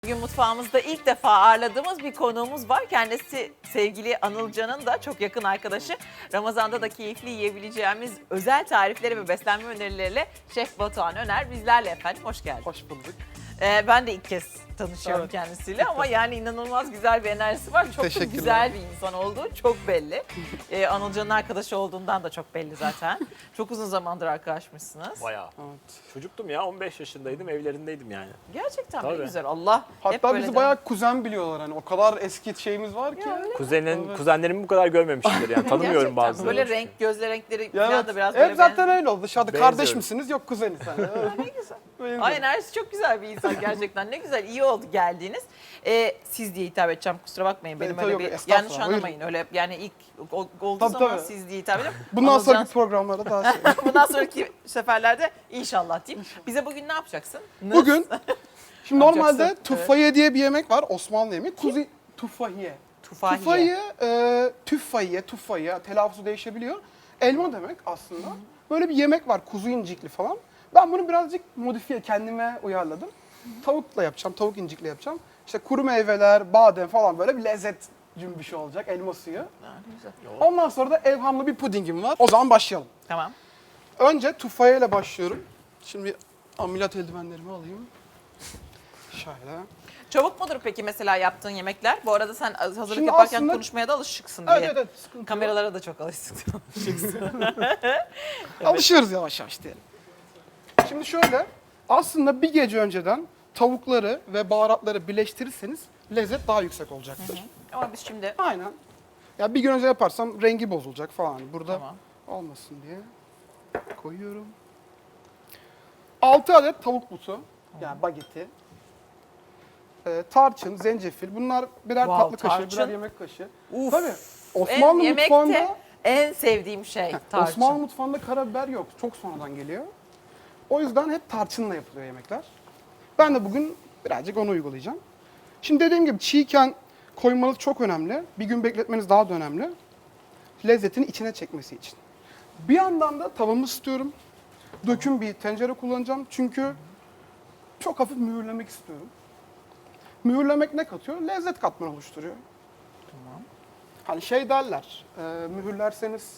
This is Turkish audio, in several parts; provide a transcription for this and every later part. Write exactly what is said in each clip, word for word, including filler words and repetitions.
Bugün mutfağımızda ilk defa ağırladığımız bir konuğumuz var. Kendisi sevgili Anılcan'ın da çok yakın arkadaşı. Ramazan'da da keyifli yiyebileceğimiz özel tarifleri ve beslenme önerileriyle Şef Batuhan Öner bizlerle efendim. Hoş geldin. Hoş bulduk. Ee, ben de ilk kez tanışıyorum Evet. kendisiyle ama yani inanılmaz güzel bir enerjisi var. Çok da Teşekkürler. güzel bir insan olduğu çok belli. Ee, Anılcan'ın arkadaşı olduğundan da çok belli zaten. Çok uzun zamandır arkadaşmışsınız. Bayağı. Evet. Çocuktum ya, on beş yaşındaydım, evlerindeydim yani. Gerçekten ne Tabii. güzel. Allah hep Hatta böyle bizi devam- bayağı kuzen biliyorlar hani o kadar eski şeyimiz var ki. Ya öyle mi? Kuzenin, Evet. kuzenlerimi bu kadar görmemişimdir yani. Tanımıyorum Gerçekten bazılarını. böyle renk, gözle renkleri Ya falan evet, da biraz hep böyle zaten benziyor. öyle oldu. Dışarıda Benziyoruz. kardeş misiniz? Yok kuzeniz. Hani. Ne güzel. Benziyor. Ay enerjisi çok güzel bir insan gerçekten. Ne güzel, iyi oldu geldiğiniz. Ee, siz diye hitap edeceğim, kusura bakmayın. Benim Evet, öyle yok, bir estağfurullah, yanlış anlamayın. Öyle yani ilk o- olduğu Tabii, zaman tabii. siz diye hitap edeceğim. Bundan Anılcan- sonraki programlarda daha şey. Bundan sonraki seferlerde inşallah diyeyim. Bize bugün ne yapacaksın? Nız. Bugün şimdi normalde Yapacaksın, tufahiye diye bir yemek var. Osmanlı yemeği. Kuzi tufahiye. Tufahiye. Tufahiye, e, tüffahiye, tuffahiye telaffuzu değişebiliyor. Elma demek aslında. Böyle bir yemek var kuzu incikli falan. Ben bunu birazcık modifiye kendime uyarladım. Tavukla yapacağım, tavuk incikli yapacağım. İşte kuru meyveler, badem falan böyle bir lezzet cümbüşü olacak, elma suyu. Ha, ne güzel. Ondan sonra da evhamlı bir pudingim var. O zaman başlayalım. Tamam. Önce tufahiye ile başlıyorum. Şimdi ameliyat eldivenlerimi alayım. Şöyle. Çabuk mudur peki mesela yaptığın yemekler? Bu arada sen hazırlık Şimdi yaparken aslında- konuşmaya da alışıksın diye. Evet evet, evet sıkıntı yok. Kameralara da çok alışıksın. Alışıyoruz yavaş yavaş diyelim. Şimdi şöyle, aslında bir gece önceden tavukları ve baharatları birleştirirseniz lezzet daha yüksek olacaktır. Ama biz şimdi Aynen. Ya bir gün önce yaparsam rengi bozulacak falan. Burada Tamam. olmasın diye koyuyorum. altı adet tavuk butu, yani bageti. Ee, tarçın, zencefil. Bunlar birer Wow, tatlı kaşığı, tarçın. birer yemek kaşığı. uf, Tabii. en Osmanlı yemekte mutfağında en sevdiğim şey tarçın. Osmanlı mutfağında karabiber yok. Çok sonradan geliyor. O yüzden hep tarçınla yapılıyor yemekler. Ben de bugün birazcık onu uygulayacağım. Şimdi dediğim gibi çiğken koymanız çok önemli. Bir gün bekletmeniz daha da önemli. Lezzetini içine çekmesi için. Bir yandan da tavamı ısıtıyorum. Döküm bir tencere kullanacağım. Çünkü çok hafif mühürlemek istiyorum. Mühürlemek ne katıyor? Lezzet katmanı oluşturuyor. Tamam. Hani şey derler, e, mühürlerseniz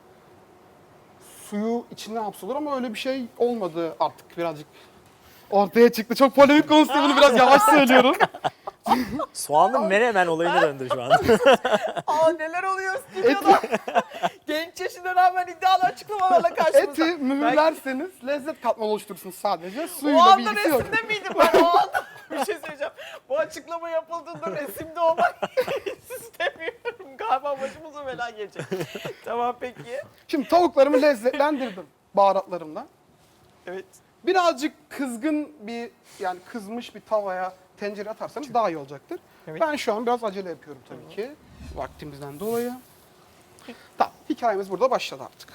suyu içine hapsolur ama öyle bir şey olmadı artık birazcık. Ortaya çıktı. Çok polemik konusu, bunu biraz yavaş söylüyorum. Soğanlı menemen olayına döndü şu an. Aa neler oluyor stüdyoda. Genç yaşına rağmen iddialı açıklamalarla karşımızda. Eti mühürlerseniz lezzet katmanı oluşturursunuz sadece. O Suyuyla anda bilgisi yok. resimde miydim ben o anda? Bir şey söyleyeceğim. Bu açıklama yapıldığında resimde olmak istemiyorum. Galiba başımıza bela gelecek. Tamam peki. Şimdi tavuklarımı lezzetlendirdim baharatlarımla. Evet. Birazcık kızgın bir, yani kızmış bir tavaya tencere atarsanız daha iyi olacaktır. Evet. Ben şu an biraz acele yapıyorum tabii ki. Vaktimizden dolayı. Tamam, hikayemiz burada başladı artık.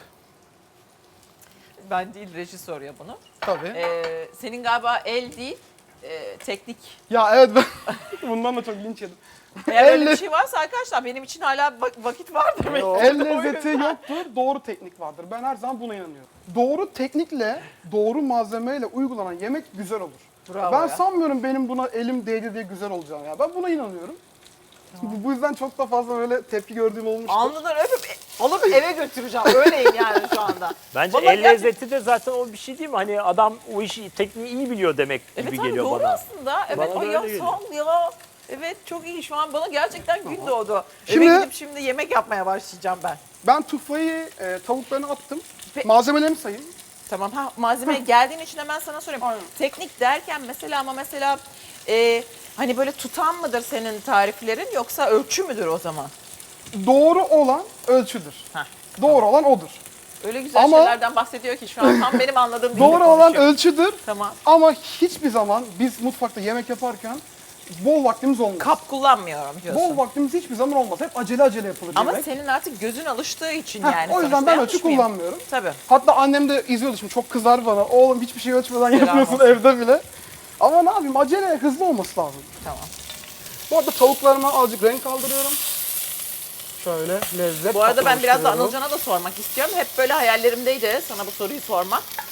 Ben değil reji soruyor bunu. Tabii. Ee, senin galiba el değil e, teknik. Ya evet, ben bundan da çok linç yedim. Eğer öyle Elle- bir şey varsa arkadaşlar benim için hala vak- vakit var demek. El lezzeti yoktur, doğru teknik vardır. Ben her zaman buna inanıyorum. Doğru teknikle, doğru malzemeyle uygulanan yemek güzel olur. Bravo ben ya. sanmıyorum benim buna elim değdi diye güzel olacağını ya. Ben buna inanıyorum. Bu, bu yüzden çok da fazla böyle tepki gördüğüm olmuştur. Alnından öpüp e, alıp eve götüreceğim. Öyleyim yani şu anda. Bence Vallahi el gerçekten- lezzeti de zaten o bir şey değil mi? Hani adam o işi, tekniği iyi biliyor demek gibi Evet abi geliyor doğru bana. aslında. Evet Bana da ay öyle ya geliyor. sağ ol ya. Evet çok iyi şu an bana gerçekten gün doğdu. Şimdi- Eve gidip şimdi yemek yapmaya başlayacağım ben. Ben tufayı e, tavuklarını attım. Pe- Malzemelerimi sayayım. Tamam ha malzemeye geldiğin için hemen sana sorayım. Aynen. Teknik derken mesela ama mesela e, hani böyle tutan mıdır senin tariflerin yoksa ölçü müdür o zaman? Doğru olan ölçüdür. Heh, Doğru olan odur. öyle güzel Ama- şeylerden bahsediyor ki şu an tam benim anladığım dilde Doğru olan konuşuyor. ölçüdür. Tamam. Ama hiçbir zaman biz mutfakta yemek yaparken bol vaktimiz olmaz. Kap kullanmıyorum diyorsun. Bol vaktimiz hiçbir zaman olmaz. Hep acele acele yapılır Ama yemek. senin artık gözün alıştığı için Heh, yani. o yüzden sonuçta ben yanlış ölçü mıyım? kullanmıyorum. Tabii. Hatta annem de izliyordu şimdi, çok kızar bana. Oğlum hiçbir şey ölçmeden Selam yapıyorsun olsun. evde bile. Ama ne yapayım, acele hızlı olması lazım. Tamam. Bu arada tavuklarıma azıcık renk kaldırıyorum. Şöyle lezzet. Bu arada ben biraz da oluşturuyorum. Anılcan'a da sormak istiyorum. Hep böyle hayallerimdeydi sana bu soruyu sormak.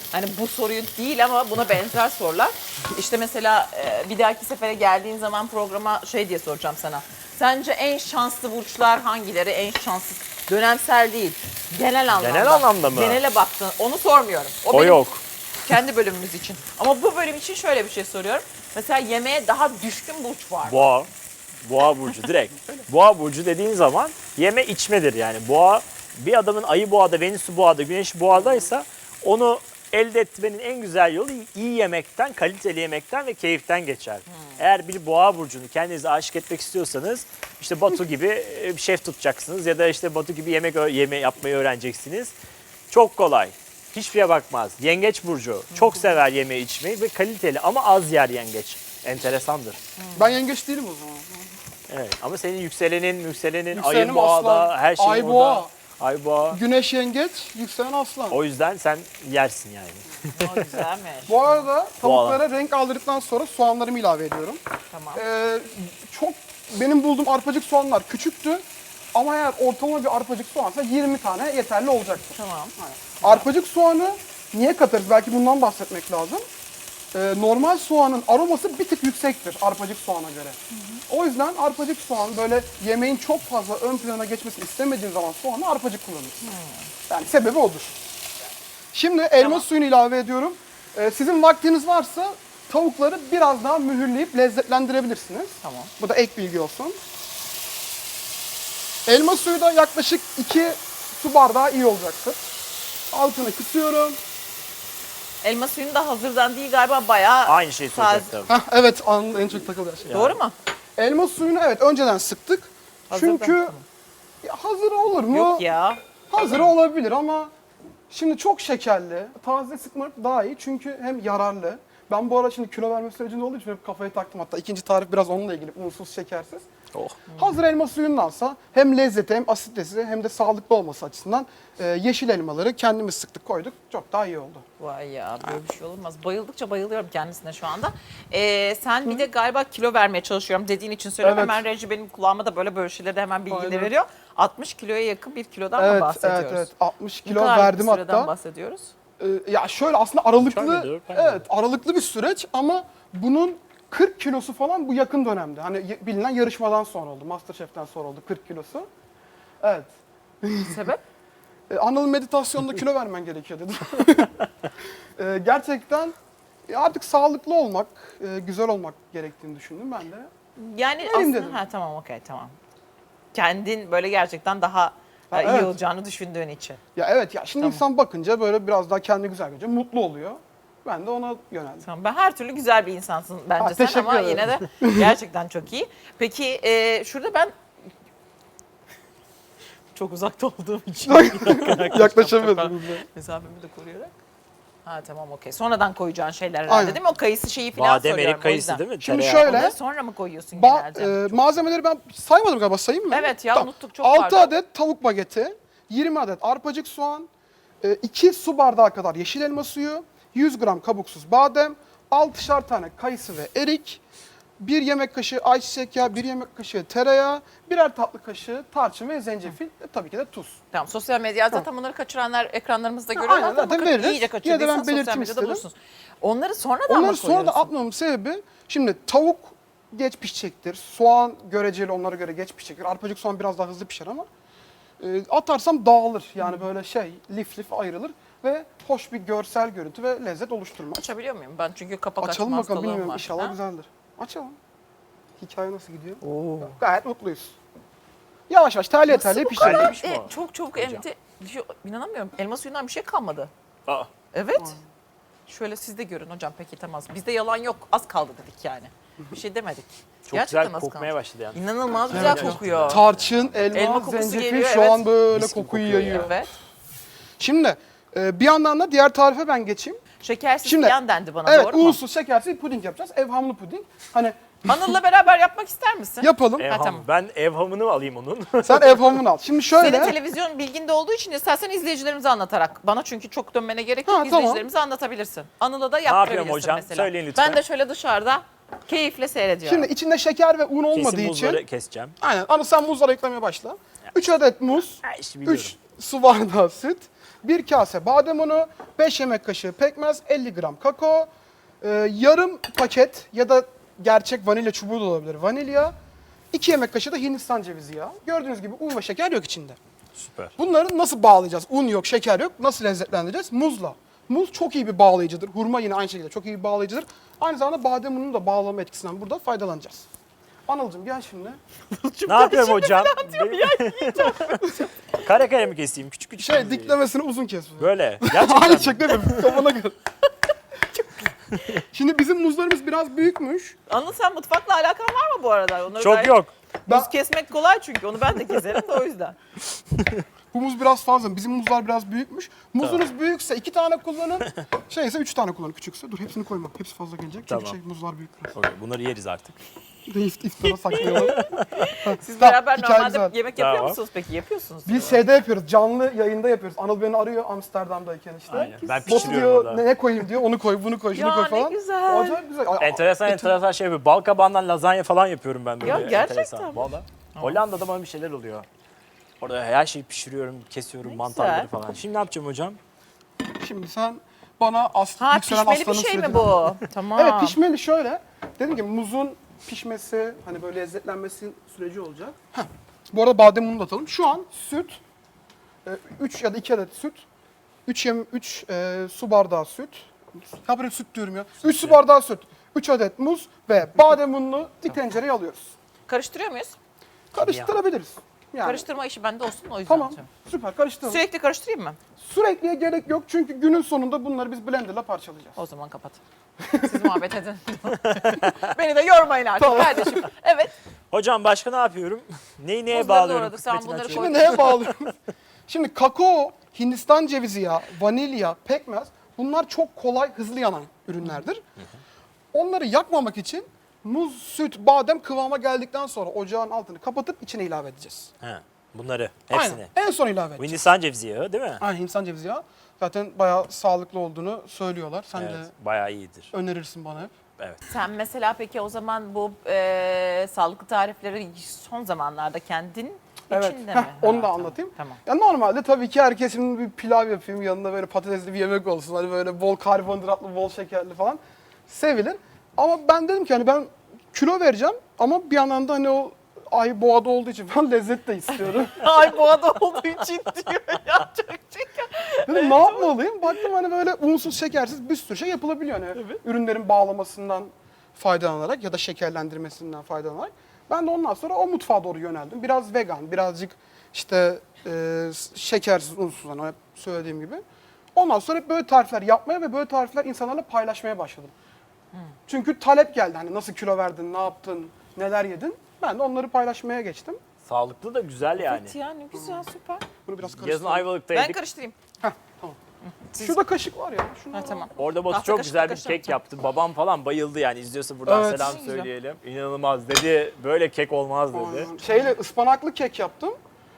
Hani bu soruyu değil ama buna benzer sorular. İşte mesela e, bir dahaki sefere geldiğin zaman programa şey diye soracağım sana. Sence en şanslı burçlar hangileri? En şanssız. Dönemsel değil. Genel anlamda. Genel anlamda mı? Genele baktın. Onu sormuyorum. O benim yok. Kendi bölümümüz için. Ama bu bölüm için şöyle bir şey soruyorum. Mesela yemeğe daha düşkün burç var mı? Boğa. Boğa burcu direkt. Boğa burcu dediğin zaman yeme içmedir yani. Boğa bir adamın ayı boğada, Venüs'ü boğada, güneşi boğadaysa onu elde etmenin en güzel yolu iyi yemekten, kaliteli yemekten ve keyiften geçer. Hmm. Eğer bir boğa burcunu kendinize aşık etmek istiyorsanız işte Batu gibi bir şef tutacaksınız ya da işte Batu gibi yemek yeme yapmayı öğreneceksiniz. Çok kolay. Hiçbir şeye bakmaz. Yengeç burcu çok sever yeme içmeyi ve kaliteli ama az yer yengeç. Enteresandır. Ben yengeç değilim o zaman. Evet ama senin yükselenin, yükselenin, Yükselenim ayın boğada, aslan, her şey ay orada. boğa. Ay boğa. Güneş yengeç, yükselen aslan. O yüzden sen yersin yani. O güzelmiş. Bu arada Boğa. tavuklara renk aldırdıktan sonra soğanlarımı ilave ediyorum. Tamam. Ee, çok benim bulduğum arpacık soğanlar küçüktü. Ama eğer ortalama bir arpacık soğansa yirmi tane yeterli olacaktır. Tamam. Arpacık soğanı niye katarız? Belki bundan bahsetmek lazım. Ee, normal soğanın aroması bir tık yüksektir arpacık soğana göre. O yüzden arpacık soğan böyle yemeğin çok fazla ön plana geçmesini istemediğin zaman soğanı arpacık kullanırsın. Yani sebebi odur. Şimdi elma Tamam. suyunu ilave ediyorum. Ee, sizin vaktiniz varsa tavukları biraz daha mühürleyip lezzetlendirebilirsiniz. Tamam. Bu da ek bilgi olsun. Elma suyu da yaklaşık iki su bardağı iyi olacaktır. Altını kısıyorum. Elma suyunu da hazırdan değil galiba bayağı Aynı şeyi taze. soracaktım. Heh, evet, anın en çok takıldığı şey. Doğru mu? Elma suyunu evet önceden sıktık. Hazırdan, Çünkü tamam. ya hazır olur mu? Yok ya. Hazır olabilir ama şimdi çok şekerli. Taze sıkmak daha iyi çünkü hem yararlı. Ben bu ara şimdi kilo verme sürecinde olduğu için hep kafayı taktım. Hatta ikinci tarif biraz onunla ilgili, unsuz, şekersiz. Oh. Hazır elma suyundansa hem lezzeti hem asitesi hem de sağlıklı olması açısından e, yeşil elmaları kendimiz sıktık koyduk. Çok daha iyi oldu. Vay ya böyle bir şey olmaz. Bayıldıkça bayılıyorum kendisine şu anda. Ee, sen bir de galiba kilo vermeye çalışıyorum dediğin için söylüyorum. Evet. Hemen reji benim kulağıma da böyle böyle şeyleri de hemen bilgileri Aynen. veriyor. altmış kiloya yakın bir kilodan mı Evet, bahsediyoruz? evet, evet. altmış Ne kilo kadarlık verdim bir süreden hatta. bahsediyoruz? Ee, ya şöyle aslında aralıklı, Üç ay mıydı, dört ay mıydı? evet aralıklı bir süreç ama bunun kırk kilosu falan bu yakın dönemde. Hani y- bilinen yarışmadan sonra oldu, MasterChef'ten sonra oldu kırk kilosu. Evet. Sebep? Ee, Anıl meditasyonda kilo vermen gerekiyor dedi. Ee, gerçekten e, artık sağlıklı olmak, e, güzel olmak gerektiğini düşündüm ben de. Yani Vereyim aslında dedim. ha tamam okey tamam. Kendin böyle gerçekten daha Ha, e, iyi evet. olacağını düşündüğün için. Ya evet ya şimdi Tamam. insan bakınca böyle biraz daha kendi güzel görünce mutlu oluyor. Ben de ona yöneldim. Tamam. Ben her türlü güzel bir insansın bence Ha, sen teşekkür ama ederim. yine de gerçekten çok iyi. Peki e, şurada ben çok uzakta olduğum için Yaklaşamıyordum. mesafemi de koruyarak. Ha tamam okey. Sonradan koyacağın şeyler herhalde Aynen. değil mi? O kayısı şeyi falan Badem, soruyorum erik o kayısı yüzden. değil mi? Şimdi Tereyağı. şöyle- Onları sonra mı koyuyorsun Ba- genelde? e, malzemeleri ben saymadım galiba, sayayım mı? Evet ya, unuttuk, çok altı pardon. adet tavuk bageti, yirmi adet arpacık soğan, iki su bardağı kadar yeşil elma suyu, yüz gram kabuksuz badem, altışar tane kayısı ve erik, bir yemek kaşığı ayçiçek yağı, bir yemek kaşığı tereyağı, birer tatlı kaşığı tarçın ve zencefil ve tabii ki de tuz. Tamam sosyal medya zaten bunları kaçıranlar ekranlarımızda görüyorlar. aynen, Ama zaten bakın veririz. iyice Yine de kaçırdıysan ben sosyal belirteyim medyada istedim. bulursunuz. Onları sonradan Onları mı sonra da koyuyorsun? atmamın sebebi, şimdi tavuk geç pişecektir, soğan göreceli onlara göre geç pişecektir. Arpacık soğan biraz daha hızlı pişer ama e, atarsam dağılır. Yani böyle şey lif lif ayrılır ve hoş bir görsel görüntü ve lezzet oluşturmaz. Açabiliyor muyum? Ben çünkü kapak Açalım açma bakalım, hastalığım bilmiyorum, var. inşallah Ha? güzeldir. Açalım. Hikaye nasıl gidiyor? Oo. Gayet mutluyuz. Yavaş yavaş terliye Nasıl terliye bu pişirelim. kadar? Hallemiş mi E, o? çok çabuk Hocam. emdi. Şu- İnanamıyorum. Elma suyundan bir şey kalmadı. Aa. Evet. Şöyle siz de görün hocam peki tamam. Bizde yalan yok. Az kaldı dedik yani. Bir şey demedik. Çok Gerçekten güzel az kokmaya kaldı. başladı yani. İnanılmaz güzel Evet. kokuyor. Tarçın, elma, Elma kokusu zencefil geliyor, şu evet. an böyle Mis gibi kokuyu kokuyor yayıyor. Evet. Şimdi e, bir yandan da diğer tarife ben geçeyim. Şekersiz Şimdi- falan dendi bana Evet, doğru mu? unsuz şekersiz puding yapacağız. Evhamlı puding. Hani Anıl'la beraber yapmak ister misin? yapalım. Ev Ha, ham- tamam. Ben ev hamını alayım onun. Sen evhamını al. Şimdi şöyle. Senin televizyon bilginde olduğu için istersen izleyicilerimize anlatarak. Bana çünkü çok dönmene gerek yok. Ha, tamam. İzleyicilerimize anlatabilirsin. Anıl'a da yaptırabilirsin yapıyorum hocam? mesela. Söyleyin lütfen. Ben de şöyle dışarıda keyifle seyrediyorum. Şimdi içinde şeker ve un olmadığı Kesin için. buzları keseceğim. Aynen. Anı sen muzları eklemeye başla. üç adet muz, Ha, işte biliyorum. üç su bardağı süt, bir kase badem unu, beş yemek kaşığı pekmez, elli gram kakao, e, yarım paket ya da gerçek vanilya çubuğu da olabilir vanilya, iki yemek kaşığı da Hindistan cevizi yağı. Gördüğünüz gibi un ve şeker yok içinde. Süper. Bunları nasıl bağlayacağız? Un yok, şeker yok. Nasıl lezzetlendireceğiz? Muzla. Muz çok iyi bir bağlayıcıdır. Hurma yine aynı şekilde çok iyi bir bağlayıcıdır. Aynı zamanda badem ununun da bağlama etkisinden burada faydalanacağız. Anılcığım gel şimdi. Ne yapıyorum hocam? Kare kare mi keseyim? Küçük küçük. Şey mi? diklemesini uzun kes. Böyle. Gerçekten. Aynı şekilde yapıyorum. Kafana göre. Şimdi bizim muzlarımız biraz büyükmüş. Anıl sen mutfakla alakan var mı bu arada? Onları Çok gayet- yok. Muz Ben- kesmek kolay çünkü onu ben de keserim de o yüzden. Bu muz biraz fazla. Bizim muzlar biraz büyükmüş. Muzunuz büyükse iki tane kullanın. Şeyse üç tane kullanın küçükse. Dur hepsini koyma. Hepsi fazla gelecek. Çünkü Tamam. şey muzlar büyük biraz. Okey, bunları yeriz artık. İft, iftara saklayalım. Siz Tamam, beraber hikaye normalde güzel. yemek yapıyor Tamam. musunuz peki? Yapıyorsunuz. Biz şeyde yapıyoruz. Canlı yayında yapıyoruz. Anıl beni arıyor Amsterdam'dayken işte. Aynen. Ben Botu pişiriyorum diyor orada. ne koyayım diyor. Onu koy, bunu koy, şunu Ya koy ne falan. güzel. Acayip güzel. Ay, Enteresan ay, enteresan şey yapıyorum. Bal kabağından lazanya falan yapıyorum ben böyle. Ya gerçekten enteresan. mi? Valla. Hollanda'da bana bir şeyler oluyor. Orada her şeyi pişiriyorum, kesiyorum, Ne mantarları güzel. falan. Şimdi ne yapacağım hocam? Şimdi sen bana as Ha yükselen pişmeli bir aslanın şey mi sürecini- bu? Tamam. Evet pişmeli şöyle. Dedim ki muzun pişmesi, hani böyle lezzetlenmesi süreci olacak. Heh. Bu arada badem unu da atalım. Şu an süt, üç ya da iki adet süt, üç yem üç su bardağı süt. Ya böyle süt diyorum ya. üç su bardağı süt, üç adet muz ve badem ununu bir tencereye alıyoruz. Karıştırıyor muyuz? Karıştırabiliriz. Yani. Karıştırma işi bende olsun o yüzden. Tamam. yapacağım. Süper karıştıralım. Sürekli karıştırayım mı? Sürekliye gerek yok çünkü günün sonunda bunları biz blenderla parçalayacağız. O zaman kapat. Siz muhabbet edin. Beni de yormayın artık kardeşim. Evet. Hocam başka ne yapıyorum? Neyi neye Muzları bağlıyorum? doğradık, sen Kısmetini bunları açıyorum. Şimdi neye bağlıyorum? Şimdi kakao, Hindistan cevizi yağı, vanilya, pekmez bunlar çok kolay, hızlı yanan ürünlerdir. Onları yakmamak için muz, süt, badem kıvama geldikten sonra ocağın altını kapatıp içine ilave edeceğiz. He, bunları, hepsini. Aynen. En son ilave Bu edeceğiz. Hindistan cevizi yağı değil mi? Aynen Hindistan cevizi yağı. Zaten bayağı sağlıklı olduğunu söylüyorlar. Sen Evet, de bayağı iyidir. önerirsin bana hep. Evet. Sen mesela peki o zaman bu e, sağlıklı tarifleri son zamanlarda kendin Evet. içinde Heh, mi? onu Ha, da tamam, anlatayım. Tamam. Ya normalde tabii ki herkesin bir pilav yapayım, yanında böyle patatesli bir yemek olsun. Hani böyle bol karbonhidratlı, bol şekerli falan sevilir. Ama ben dedim ki hani ben kilo vereceğim ama bir yandan da hani o ay boğada olduğu için falan lezzet de istiyorum. Ay boğada olduğu için diyor ya çok şeker. Dedim ne yapmalıyım? Baktım hani böyle unsuz, şekersiz bir sürü şey yapılabiliyor. Hani ürünlerin bağlamasından faydalanarak ya da şekerlendirmesinden faydalanarak. Ben de ondan sonra o mutfağa doğru yöneldim. Biraz vegan, birazcık işte e, şekersiz, unsuz hani hep söylediğim gibi. Ondan sonra hep böyle tarifler yapmaya ve böyle tarifler insanlarla paylaşmaya başladım. Çünkü talep geldi. Hani nasıl kilo verdin, ne yaptın, neler yedin? Ben de onları paylaşmaya geçtim. Sağlıklı da güzel yani. Evet ya ne güzel süper. Bunu biraz Yazın karıştırdım. Ayvalık'ta Ben yedik. karıştırayım. Heh, tamam. Şurada kaşık var ya. Şunu Ha tamam. Orada Batu Tahta çok kaşık, güzel bir kaşık kek yapacağım. yaptı. Babam falan bayıldı yani. İzliyorsa buradan Evet. selam Ne güzel. söyleyelim. İnanılmaz dedi. Böyle kek olmaz dedi. Aynen. Şeyle ıspanaklı kek yaptım.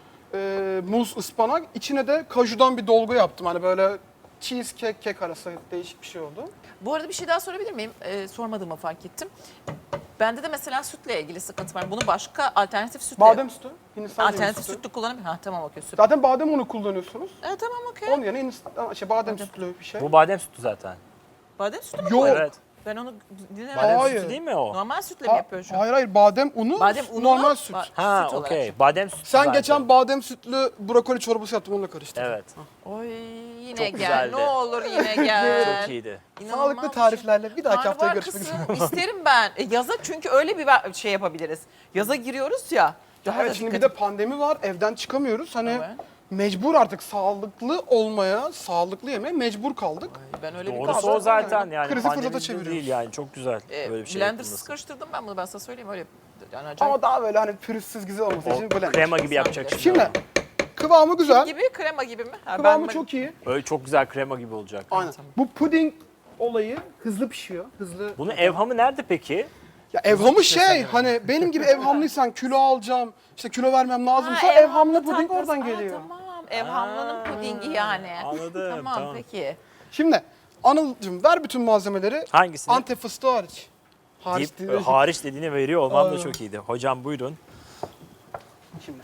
Ee, muz, ıspanak. İçine de kajudan bir dolgu yaptım. Hani böyle cheesecake, kek arası değişik bir şey oldu. Bu arada bir şey daha sorabilir miyim? Ee, sormadığımı fark ettim. Bende de mesela sütle ilgili sıkıntı var. Bunu başka alternatif sütle... Badem sütü, Hindistan cevizi Alternatif sütü. sütlü kullanabilir. Ha tamam okey süper. Zaten badem unu kullanıyorsunuz. Evet tamam okey. Onun yerine Hindistan, şey, badem sütlü bir şey. Bu badem sütü zaten. Badem sütü mü? Yok. Evet. Ben onu dinlemedim. Badem Hayır. sütü değil mi o? Normal sütle mi Ha- yapıyor şu an? hayır hayır badem unu, Badem unu normal süt. ba- Ha süt olarak. okey. Badem sütü Sen zaten. geçen badem sütlü brokoli çorbası yaptın onunla karıştırdın. Evet. Oy yine Çok gel. güzeldi. Ne olur yine gel. Çok iyiydi. İnanılmaz Sağlıklı bir şey. tariflerle bir dahaki haftaya Karnabahar görüşmek kısmı üzere. isterim ben. E, yaza çünkü öyle bir ver- şey yapabiliriz. Yaza giriyoruz ya. Daha Evet da şimdi bir dikkat- de pandemi var, evden çıkamıyoruz. Hani Evet. mecbur artık sağlıklı olmaya, sağlıklı yemeye mecbur kaldık. Ben öyle bir Doğrusu kaldım. o zaten yani. Krizi fırsata Pandemide çeviriyoruz. değil yani. Çok güzel E, böyle bir şey blendersız yapılması. karıştırdım ben bunu ben sana söyleyeyim öyle. Yani acayip. Ama daha böyle hani pürüzsüz güzel olması O için blender. krema gibi yapacak şimdi. Şimdi kıvamı güzel, gibi krema gibi mi? Ha, kıvamı ben- çok iyi. Öyle çok güzel krema gibi olacak. Aynen. Tamam. Bu puding olayı hızlı pişiyor. Hızlı. Bunun evhamı nerede peki? Ya evhamı şey hani benim gibi evhamlıysan kilo alacağım, işte kilo vermem lazımsa Ha, evhamlı puding tatlısı. oradan Aa, geliyor. Tamam. Evhamlının pudingi yani. Anladım, Tamam, tamam. peki. Şimdi Anıl'cığım ver bütün malzemeleri. Hangisini? Antep fıstığı hariç. Hariç Deyip, değil. e, hariç dediğini veriyor olmam da Aynen. çok iyiydi. Hocam buyurun. Şimdi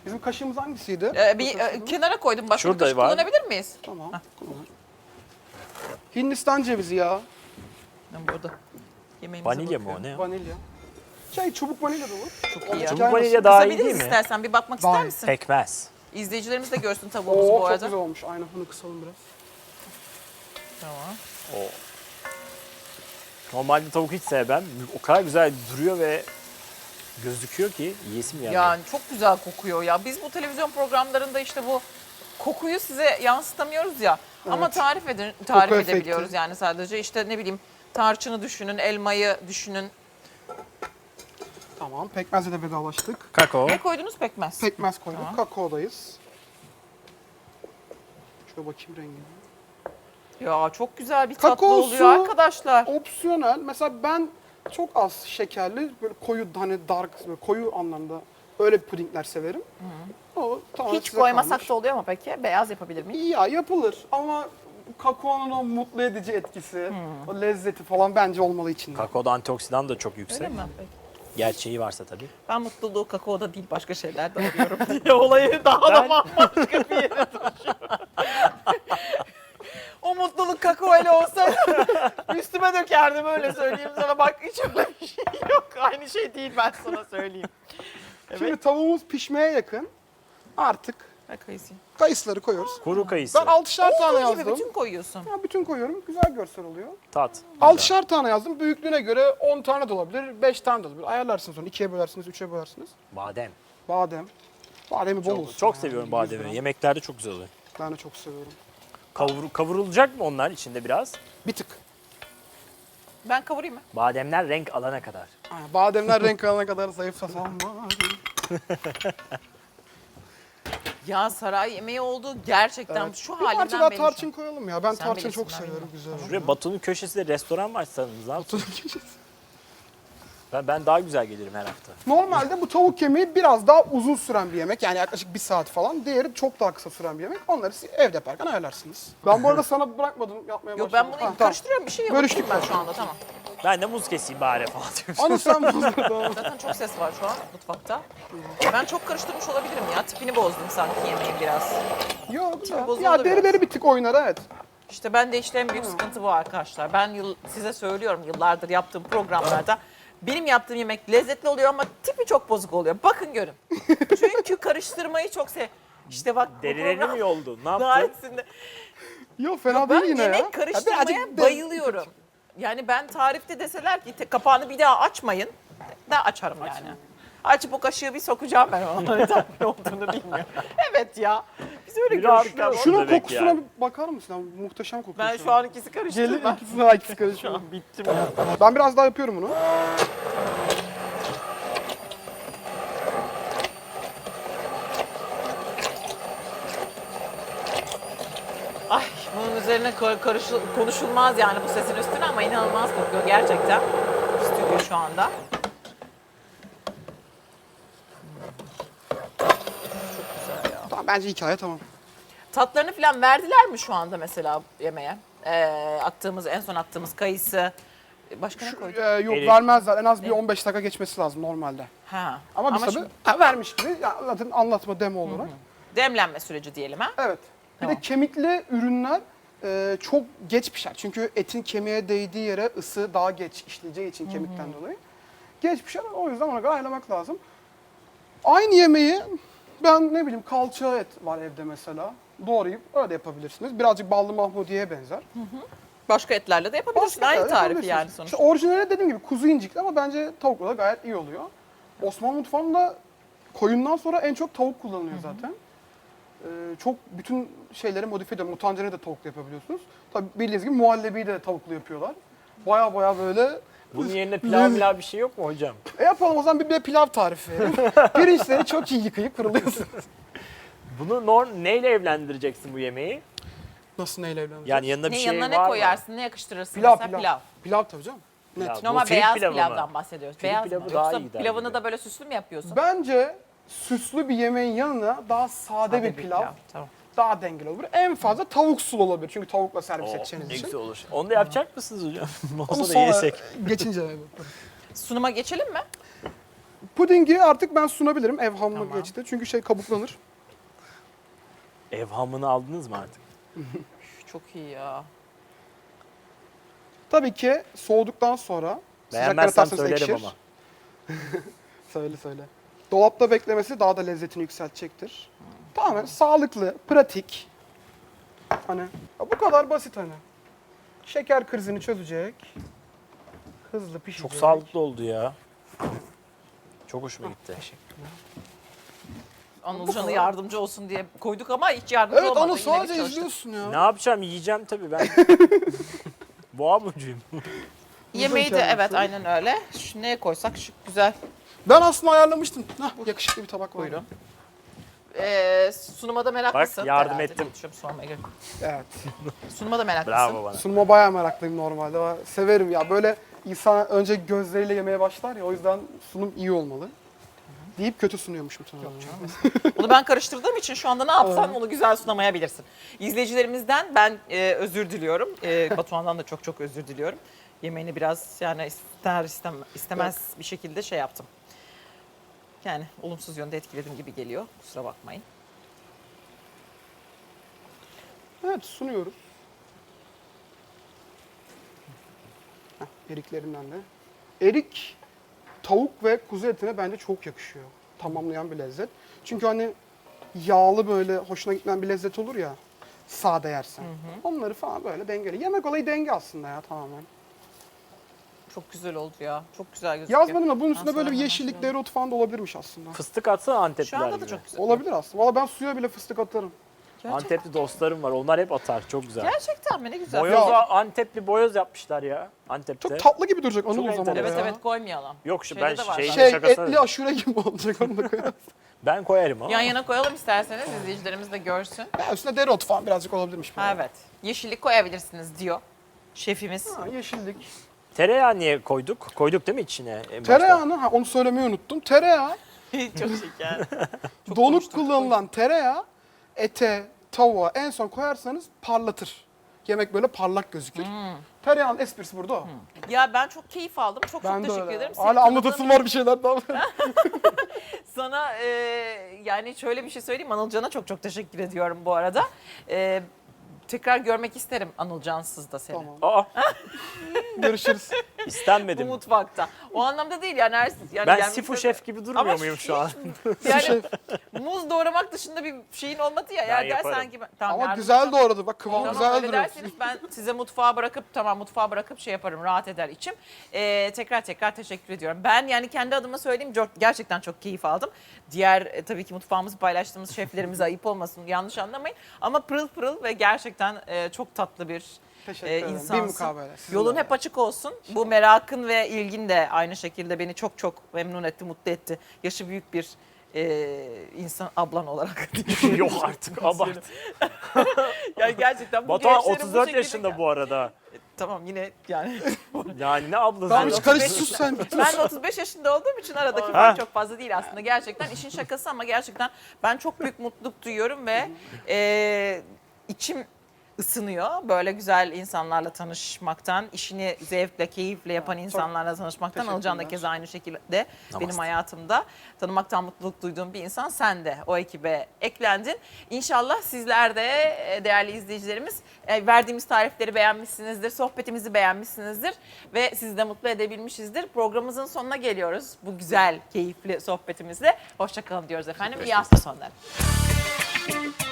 Bizim kaşığımız hangisiydi? Ee, bir e, kenara koydum. Başka Şurada bir kaşık var. kullanabilir miyiz? Tamam. kullan. Hindistan cevizi ya. Ben burada. Yemeğimize Vanilya mı o bakıyorum. ne? Vanilya. Şey çubuk vanilya da olur. Çok iyi ya. Çubuk vanilya daha iyi Kısabiliriz değil mi? istersen. Bir bakmak Daha ister iyi. misin? Pekmez. İzleyicilerimiz de görsün tavuğumuzu Oo bu çok arada. güzel olmuş. Aynen bunu kısalım biraz. Tamam. O. Normalde tavuk hiç sevmem. O kadar güzel duruyor ve gözüküyor ki yiyesim yani. Yani çok güzel kokuyor ya. Biz bu televizyon programlarında işte bu kokuyu size yansıtamıyoruz ya. Ama Evet. tarif edin, tarif Koku edebiliyoruz efekti. yani sadece. İşte ne bileyim tarçını düşünün, elmayı düşünün. Tamam. Pekmezle de vedalaştık. Kakao. Ne koydunuz pekmez? Pekmez koyduk. Tamam. Kakaodayız. Şöyle bakayım rengine. Ya çok güzel bir tatlı Kakaosu- oluyor arkadaşlar. Opsiyonel. Mesela ben çok az şekerli, böyle koyu hani dark, böyle koyu anlamda öyle pudingler severim. O tamamen Hiç size koymasak kalmış. da oluyor mu peki? Beyaz yapabilir miyim? Ya yapılır ama kakaonun o mutlu edici etkisi, Hmm. o lezzeti falan bence olmalı içinde. Kakaoda antioksidan da çok yüksek. Öyle mi? Peki. Gerçeği varsa tabii. Ben mutluluğu kakaoda değil başka şeylerde arıyorum diye olayı daha da Ben- bambaşka bir yere taşıyorum. O mutluluk kakao ile olsa üstüme dökerdim öyle söyleyeyim sana. Bak hiç öyle bir şey yok. Aynı şey değil ben sana söyleyeyim. Evet. Şimdi tavuğumuz pişmeye yakın. Artık Bak kayısı. kayısıları koyuyoruz. Kuru kayısı. Ben altışar tane Olduğu gibi yazdım. bütün koyuyorsun. Ya bütün koyuyorum. Güzel görsel oluyor. Tat. Altışar tane yazdım. Büyüklüğüne göre on tane de olabilir, beş tane de olabilir. Ayarlarsınız sonra. ikiye bölersiniz, üçe bölersiniz. Badem. Badem. Bademi bol olsun. Çok, çok yani. seviyorum yüz bademi. gram. Yemeklerde çok güzel oluyor. Ben de çok seviyorum. Kavur, kavrulacak mı onlar içinde biraz? Bir tık. Ben kavurayım mı? Bademler renk alana kadar. Aynen, bademler renk alana kadar zayıflasam. Ya saray yemeği oldu gerçekten Evet. şu Bir parça halinden daha belli. tarçın koyalım ya. Ben Sen tarçın bilirsin, çok ben seviyorum. bilmem. Güzel oluyor. Şuraya Batu'nun köşesinde restoran var açsanız abi. Ben, ben daha güzel gelirim her hafta. Normalde bu tavuk kemiği biraz daha uzun süren bir yemek. Yani yaklaşık bir saat falan. Diğeri çok daha kısa süren bir yemek. Onları siz evde yaparken ayarlarsınız. Ben bu arada sana bırakmadım yapmaya Yok başladım. ben bunu Ha, karıştırıyorum bir şey yok. Bölüştük ben mü? şu anda tamam. Ben de muz keseyim bari falan diyorum. Anı sen buzdun, tamam. Zaten çok ses var şu an mutfakta. Ben çok karıştırmış olabilirim ya. Tipini bozdum sanki yemeğin biraz. Yok güzel. bozuldu Ya biraz. derileri bir tık oynar evet. İşte ben de işte en büyük sıkıntı bu arkadaşlar. Ben yıl, size söylüyorum yıllardır yaptığım programlarda. Benim yaptığım yemek lezzetli oluyor ama tipi çok bozuk oluyor. Bakın görün. Çünkü karıştırmayı çok sev. İşte bak bu Derilerini program mi yoldu? Ne yaptı? tarihinde. Yok fena Ben değil yine yemek ya. Ya karıştırmaya birazcık de- bayılıyorum. Yani ben tarifte deseler ki te- kapağını bir daha açmayın. Da açarım yani. Açıp o kaşığı bir sokacağım ben ona. Neden ne olduğunu bilmiyorum. Evet ya. Biz öyle Bir görüşüyoruz. rahatlıyor. Şunun Demek kokusuna yani. bir bakar mısın? Ya, muhteşem kokuyor. Ben şu an ikisi karıştırdım. Gelin Ben ikisine ikisi karışıyor. şu an bittim ya. Ben biraz daha yapıyorum bunu. Ay bunun üzerine kar- karışıl- konuşulmaz yani bu sesin üstüne ama inanılmaz kokuyor gerçekten. Stüdyo şu anda. Tamam bence hikaye tamam. Tatlarını falan verdiler mi şu anda mesela yemeğe? Ee, attığımız en son attığımız kayısı. Başka ne koyduk? Ee, yok Erik. vermezler. En az bir Ne? on beş dakika geçmesi lazım normalde. Ha. Ama biz tabii şimdi ha, vermiş gibi ya, zaten anlatma demo olarak. demlenme süreci diyelim ha. Evet. Bir Tamam. de kemikli ürünler e, çok geç pişer. Çünkü etin kemiğe değdiği yere ısı daha geç işleyeceği için kemikten dolayı. Geç pişer. O yüzden ona göre ayarlamak lazım. Aynı yemeği ben ne bileyim kalça et var evde mesela. Doğrayıp öyle yapabilirsiniz. Birazcık ballı mahmudiye benzer. Başka etlerle de yapabilirsin. Başka Aynı etlerle tarifi yapabilirsiniz. yani sonuçta. İşte orijinali dediğim gibi kuzu incikli ama bence tavukla da gayet iyi oluyor. Osmanlı mutfağında koyundan sonra en çok tavuk kullanılıyor zaten. Ee, çok bütün şeyleri modifiye ediyor. Mutancereyi de tavukla yapabiliyorsunuz. Tabii bildiğiniz gibi muhallebiyi de tavukla yapıyorlar. Baya baya böyle... Bunun yerine pilav milav bir şey yok mu hocam? E yapalım o zaman bir de pilav tarifi verelim. Pirinçleri çok iyi yıkayıp kırılıyorsunuz. Bunu nor neyle evlendireceksin bu yemeği? Nasıl neyle evleneceğiz? Yani yanına bir Ne şey yanına var ne mı? koyarsın, ne yakıştırırsın Pilav, mesela? pilav. Pilav. Pilav tabii canım. Net. Pilav. Normal Bu fil beyaz pilavı mı? pilavdan bahsediyoruz. Fil Beyaz mı? pilavı daha Yoksa iyi der pilavını gibi. da böyle süslü mü yapıyorsun? Bence süslü bir yemeğin yanına daha sade, bir pilav, Tamam. daha dengeli olur. En fazla tavuk sulu olabilir çünkü tavukla servis Oo, edeceğiniz ne için. güzel olur. Onu da yapacak mısınız hocam? Onu Olsa da sonra yesek. geçince Sunuma geçelim mi? puding pudingi artık ben sunabilirim. Evhamlı Tamam. geçti. Çünkü şey kabuklanır. Ev hamını aldınız mı artık? Üf, çok iyi ya. Tabii ki soğuduktan sonra sıcaklara Beğenmezsem atarsanız söylerim ekşir. ama. Söyle söyle. Dolapta beklemesi daha da lezzetini yükseltecektir. Tamamen sağlıklı, pratik. Hani ya bu kadar basit hani. Şeker krizini çözecek. Hızlı pişecek. Çok sağlıklı oldu ya. Çok hoşuma gitti. Anılcan'a yardımcı olsun diye koyduk ama hiç yardımcı Evet olmadı. Anıl Yine sadece bir çalıştık. izliyorsun ya. Ne yapacağım? Yiyeceğim tabii ben. Boğa burcuyum. Yemeği de kendisi. evet aynen öyle. Şu neye koysak şık güzel. Ben aslında ayarlamıştım. Hah, yakışıklı bir tabak var. Buyurun. Ee, sunuma da meraklısın. Bak, yardım herhalde ettim. diye düşünüyorum, sormaya gerek yok. Evet. Sunuma da meraklısın. Bravo bana. Sunuma bayağı meraklıyım normalde. Ba- Severim ya. Böyle insan önce gözleriyle yemeye başlar ya. O yüzden sunum iyi olmalı. Deyip kötü sunuyormuşum sana. Onu ben karıştırdığım için şu anda ne yapsam onu güzel sunamayabilirsin. İzleyicilerimizden ben e, özür diliyorum. E, Batuhan'dan da çok çok özür diliyorum. Yemeğini biraz yani ister istem, istemez bir şekilde şey yaptım. Yani olumsuz yönde etkiledim gibi geliyor. Kusura bakmayın. Evet sunuyoruz. Heh, eriklerinden de. Erik tavuk ve kuzu etine bence çok yakışıyor. Tamamlayan bir lezzet. Çünkü hani yağlı böyle hoşuna gitmeyen bir lezzet olur ya. Sade yersen. Onları falan böyle dengeli. Yemek olayı denge aslında ya tamamen. Çok güzel oldu ya. Çok güzel gözüküyor. Yazmadım da bunun üstünde Ben böyle bir sonra yeşillik, hemen dereotu falan da olabilirmiş aslında. Fıstık atsana Antepliler Şu anda gibi. da çok güzel. Olabilir aslında. Valla ben suya bile fıstık atarım. Gerçekten. Antepli dostlarım var. Onlar hep atar. Çok güzel. Gerçekten mi? Ne güzel. Boyoza, Antepli boyoz yapmışlar ya. Antep'te. Çok tatlı gibi duracak Anıl Çok o zaman. enteresan. Evet ya. evet koymayalım. Yok şu Şeyde ben de var şeyin zaten. Şey şakasına. etli aşure gibi olacak onu da koyarız. Ben koyarım ama. Yan yana koyalım isterseniz izleyicilerimiz de görsün. Ya üstüne dereotu falan birazcık olabilirmiş. Ha, evet. Yeşillik koyabilirsiniz diyor şefimiz. Ha, yeşillik. Tereyağı niye koyduk? Koyduk değil mi içine? en başta? Tereyağını, ha onu söylemeyi unuttum. Tereyağı, Çok şeker. Çok donuk konuştuk. kullanılan tereyağı ete, tavuğa en son koyarsanız parlatır. Yemek böyle parlak gözükür. Hmm. Tereyağının esprisi burada o. Ya ben çok keyif aldım. Çok Ben çok de teşekkür öyle. ederim. Seni Hala tanıdığım anlatasım var bir şeyler daha. Sana e, yani şöyle bir şey söyleyeyim. Anılcan'a çok çok teşekkür ediyorum bu arada. E, tekrar görmek isterim Anılcan'sız da seni. Tamam. Aa, Görüşürüz. Bu istenmedim. mutfakta. O anlamda değil yani. Her, yani Ben gelmek Sifu üzere- şef gibi durmuyor Ama muyum şu an? Yani muz doğramak dışında bir şeyin olmadı ya. Eğer yaparım. dersen ki ben, tamam, Ama yardımcı güzel olacağım. doğradı. Bak kıvamı Tamam güzel öyle duruyor. derseniz ben size mutfağa bırakıp tamam mutfağa bırakıp şey yaparım rahat eder içim. Ee, tekrar tekrar teşekkür ediyorum. Ben yani kendi adıma söyleyeyim çok- gerçekten çok keyif aldım. Diğer e, tabii ki mutfağımızı paylaştığımız şeflerimize ayıp olmasın yanlış anlamayın. Ama pırıl pırıl ve gerçekten e, çok tatlı bir Teşekkür e, ederim. Bir insansın. mukabele. Sizin Yolun de. hep açık olsun. Bu merakın ve ilgin de aynı şekilde beni çok çok memnun etti, mutlu etti. Yaşı büyük bir e, insan ablan olarak. Yok artık abart. Yani gerçekten bu Batuhan gençlerin bu otuz dört şekilde- yaşında bu arada. Tamam yine yani. Yani ne ablası? Tamam Ben hiç otuz karış beş sus sen. Ben de otuz beş yaşında olduğum için aradaki Ha. fark çok fazla değil aslında. Gerçekten işin şakası ama gerçekten ben çok büyük mutluluk duyuyorum ve e, içim ısınıyor. Böyle güzel insanlarla tanışmaktan, işini zevkle, keyifle yapan insanlarla tanışmaktan. teşekkürler. Alcan da keza aynı şekilde benim Namaste. hayatımda tanımaktan mutluluk duyduğum bir insan. Sen de o ekibe eklendin. İnşallah sizler de e, değerli izleyicilerimiz e, verdiğimiz tarifleri beğenmişsinizdir, sohbetimizi beğenmişsinizdir ve sizi de mutlu edebilmişizdir. Programımızın sonuna geliyoruz bu güzel, keyifli sohbetimizle. Hoşça kalın diyoruz efendim. İyi hafta sonları.